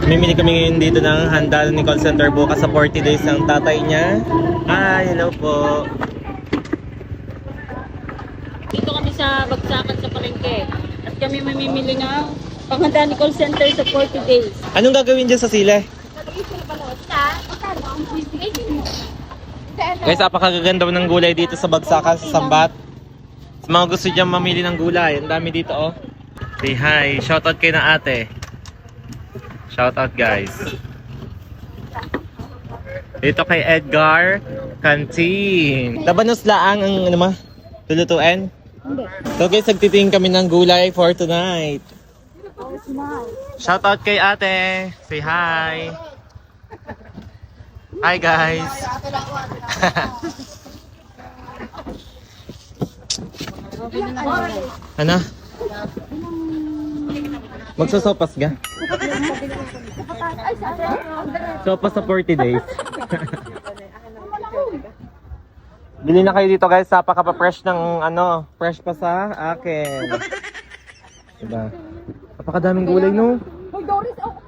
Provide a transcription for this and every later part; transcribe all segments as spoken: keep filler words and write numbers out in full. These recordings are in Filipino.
Mamimili kami ngayon dito ng handal ni call center bukas sa forty days ng tatay niya. Hi, hello po. Dito kami sa Bagsakan sa Palengke. At kami mamimili ng panghanda ni call center sa forty days. Anong gagawin dyan sa sile? Guys, apakagaganda ng gulay dito sa Bagsakan sa Sambat. Sa mga gusto dyan mamili ng gulay, ang dami dito oh. Say hi, shoutout kay na ate. Shoutout guys. Dito kay Edgar Canteen. Labanos laang ang ano ma? Lulutuin? Hindi. So guys, nagtitingin kami ng gulay for tonight. Shoutout kay ate. Say hi. Hi guys. Ano? Magsosopas ka? Sopas sa forty days. Bili na kayo dito guys, napaka-fresh ng ano, fresh pa sa akin. Diba? Napakadaming gulay no? Hoy Doris, ako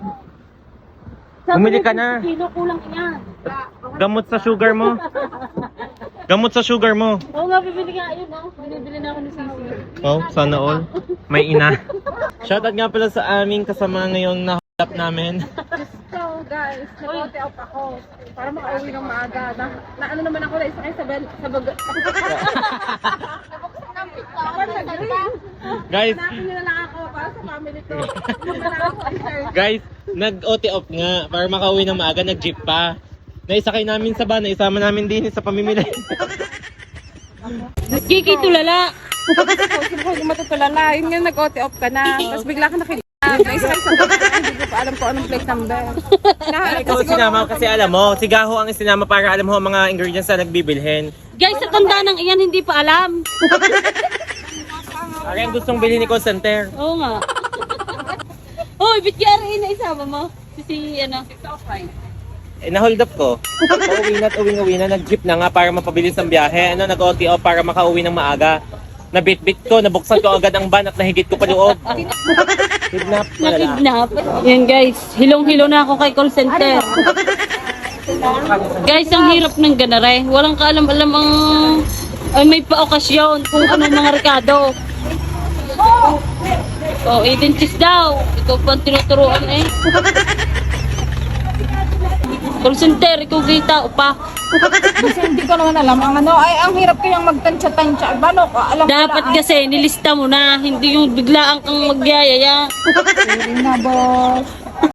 Bumili ka na. Kilo kulang yan. Gamot sa sugar mo. Gamot sa sugar mo. Oo nga, bibili nga yun. Oh. Binibili na ako ni Sisi. Oh, sana all. May ina. Shoutout nga pala sa aming kasama ngayong nahalap namin. So guys, nag-ote out ako para makauwi ng maaga. Na, na ano naman ako na isa kayo sa bel, sa bag... Nabuksan ng pizza. Guys, Hanapin nyo na lang ako para sa family ko. Hindi na ako sir. guys, nag-O T off nga para makauwi ng maaga, nag-jeep pa. Naisakay namin sa van, isama namin din sa pamimili. Kiki tulala. Sino ko yung matutulala? Yun nga nag-ote off ka na. Tapos bigla ka nakilala. Naisa kayo sa bag. Hindi ko pa alam ko anong plate number. Nahanap Ikaw sinama kasi alam mo, si Gaho ang sinama para alam mo ang mga ingredients na nagbibilhin. Guys, sa tanda ng iyan, hindi pa alam. Ari ang gustong bilhin ni call center. Oo nga. Hoy, bit yari na isama mo. Si, si ano? Eh, na-hold up ko. Pauwi na at uwing-uwi na, nag-jeep na nga para mapabilis ang biyahe. Ano, nag-O T off para makauwi ng maaga. Nabit-bit ko, nabuksan ko agad ang van at nahigit ko pa loob. Kidnap, malala. Nakidnap. Yan guys, hilong-hilo na ako kay call center. Guys, ang hirap ng ganare. Walang kaalam-alam ang... Ay, may pa-okasyon kung anong mga rekado. Oh, identis daw. Ikaw pa ang tinuturuan eh. Call center, ikaw kita, upa. Kasi hindi ko naman alam. Ang ano, ay ang hirap kayang magtansya-tansya. Bano ka? Alam ko Dapat kasi nilista mo na, hindi yung biglaan kang magyayaya. Sorry na boss.